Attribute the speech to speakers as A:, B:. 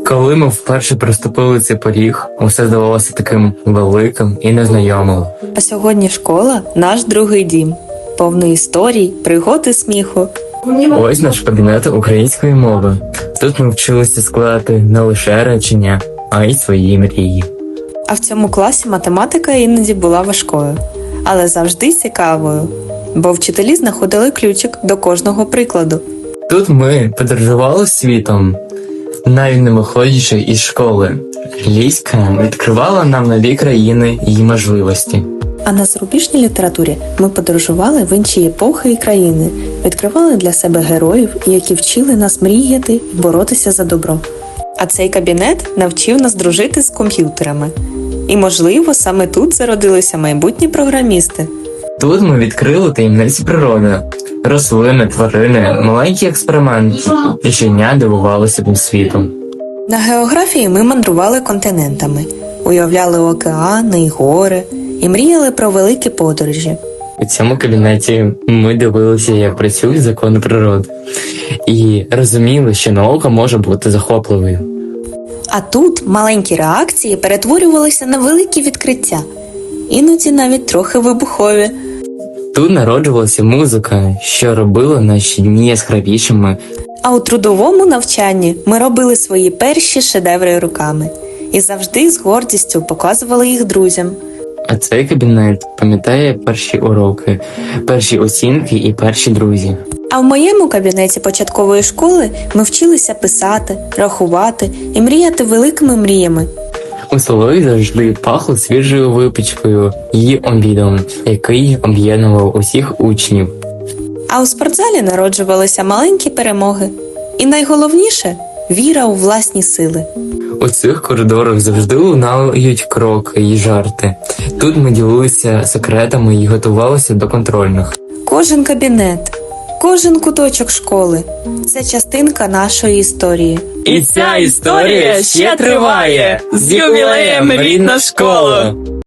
A: Коли ми вперше приступили цей поріг, усе здавалося таким великим і незнайомим.
B: А сьогодні школа – наш другий дім. Повний історій, пригод і сміху.
A: Ось наш кабінет української мови. Тут ми вчилися складати не лише речення, а й свої мрії.
B: А в цьому класі математика іноді була важкою, але завжди цікавою. Бо вчителі знаходили ключик до кожного прикладу.
A: Тут ми подорожували світом, навіть не виходячи із школи. Англійська відкривала нам нові країни і можливості.
B: А на зарубіжній літературі ми подорожували в інші епохи і країни, відкривали для себе героїв, які вчили нас мріяти і боротися за добро. А цей кабінет навчив нас дружити з комп'ютерами. І, можливо, саме тут зародилися майбутні програмісти.
A: Тут ми відкрили таємниці природи. Рослини, тварини, маленькі експерименти. І щодня дивувалися цим світом.
B: На географії ми мандрували континентами, уявляли океани й гори і мріяли про великі подорожі.
A: У цьому кабінеті ми дивилися, як працюють закони природи. І розуміли, що наука може бути захопливою.
B: А тут маленькі реакції перетворювалися на великі відкриття. Іноді навіть трохи вибухові.
A: Тут народжувалася музика, що робила наші дні яскравішими.
B: А у трудовому навчанні ми робили свої перші шедеври руками. І завжди з гордістю показували їх друзям.
A: А цей кабінет пам'ятає перші уроки, перші оцінки і перші друзі.
B: А в моєму кабінеті початкової школи ми вчилися писати, рахувати і мріяти великими мріями.
A: У столові завжди пахло свіжою випічкою і обідом, який об'єднував усіх учнів.
B: А у спортзалі народжувалися маленькі перемоги. І найголовніше – віра у власні сили.
A: У цих коридорах завжди лунають кроки і жарти. Тут ми ділилися секретами і готувалися до контрольних.
B: Кожен кабінет, кожен куточок школи – це частинка нашої історії.
A: І ця історія ще триває! З ювілеєм, рідна школа!